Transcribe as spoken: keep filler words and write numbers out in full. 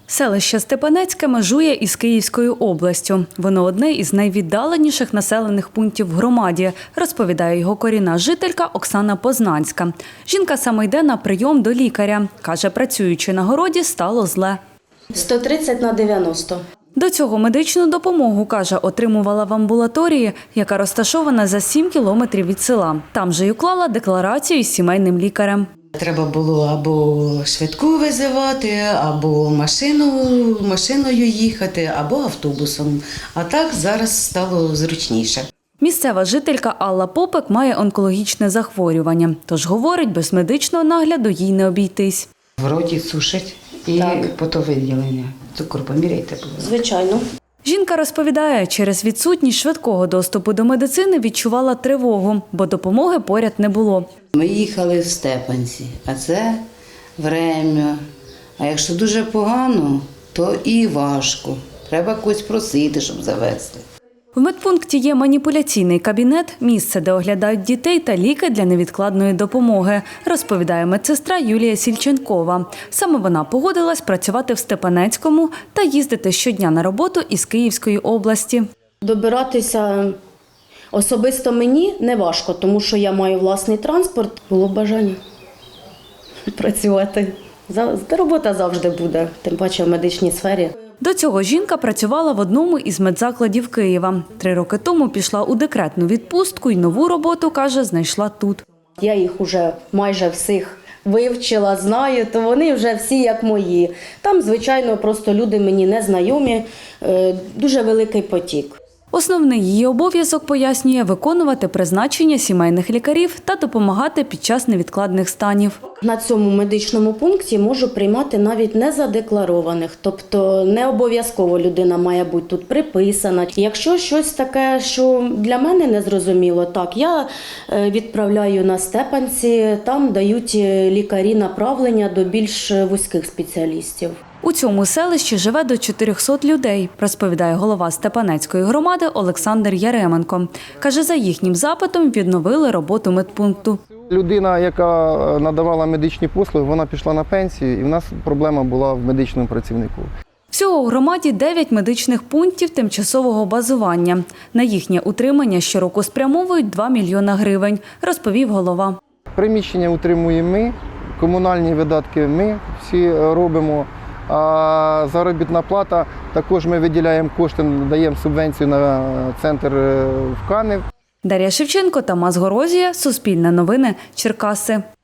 Селище Степанецьке межує із Київською областю. Воно одне із найвіддаленіших населених пунктів в громаді, розповідає його корінна жителька Оксана Познанська. Жінка саме йде на прийом до лікаря. Каже, працюючи на городі, стало зле. сто тридцять на дев'яносто. До цього медичну допомогу, каже, отримувала в амбулаторії, яка розташована за сім кілометрів від села. Там же й уклала декларацію із сімейним лікарем. Треба було або швидку визивати, або машину, машиною їхати, або автобусом. А так зараз стало зручніше. Місцева жителька Алла Попек має онкологічне захворювання. Тож, говорить, без медичного нагляду їй не обійтись. В роті сушить і Так. потовиділення. Цукор поміряйте, будь ласка. Звичайно. Жінка розповідає, через відсутність швидкого доступу до медицини відчувала тривогу, бо допомоги поряд не було. Ми їхали в Степанці, а це время. А якщо дуже погано, то і важко. Треба когось просити, щоб завезти. В медпункті є маніпуляційний кабінет, місце, де оглядають дітей та ліки для невідкладної допомоги, розповідає медсестра Юлія Сільченкова. Саме вона погодилась працювати в Степанецькому та їздити щодня на роботу із Київської області. Добиратися особисто мені не важко, тому що я маю власний транспорт. Було б бажання працювати. За- Робота завжди буде, тим паче в медичній сфері. До цього жінка працювала в одному із медзакладів Києва. Три роки тому пішла у декретну відпустку і нову роботу, каже, знайшла тут. Я їх уже майже всіх вивчила, знаю, то вони вже всі як мої. Там, звичайно, просто люди мені не знайомі, е, дуже великий потік. Основний її обов'язок, пояснює, виконувати призначення сімейних лікарів та допомагати під час невідкладних станів. На цьому медичному пункті можу приймати навіть незадекларованих, тобто не обов'язково людина має бути тут приписана. Якщо щось таке, що для мене не зрозуміло, так, я е, відправляю на Степанці, там дають лікарі направлення до більш вузьких спеціалістів. У цьому селищі живе до чотирьохсот людей, розповідає голова Степанецької громади Олександр Яременко. Каже, за їхнім запитом відновили роботу медпункту. Людина, яка надавала медичні послуги, вона пішла на пенсію, і в нас проблема була в медичному працівнику. Всього у громаді дев'ять медичних пунктів тимчасового базування. На їхнє утримання щороку спрямовують два мільйона гривень, розповів голова. Приміщення утримуємо ми, комунальні видатки ми всі робимо, а заробітна плата також ми виділяємо кошти, даємо субвенцію на центр в Канев. Дар'я Шевченко, Тамас Горозія, Суспільне новини, Черкаси.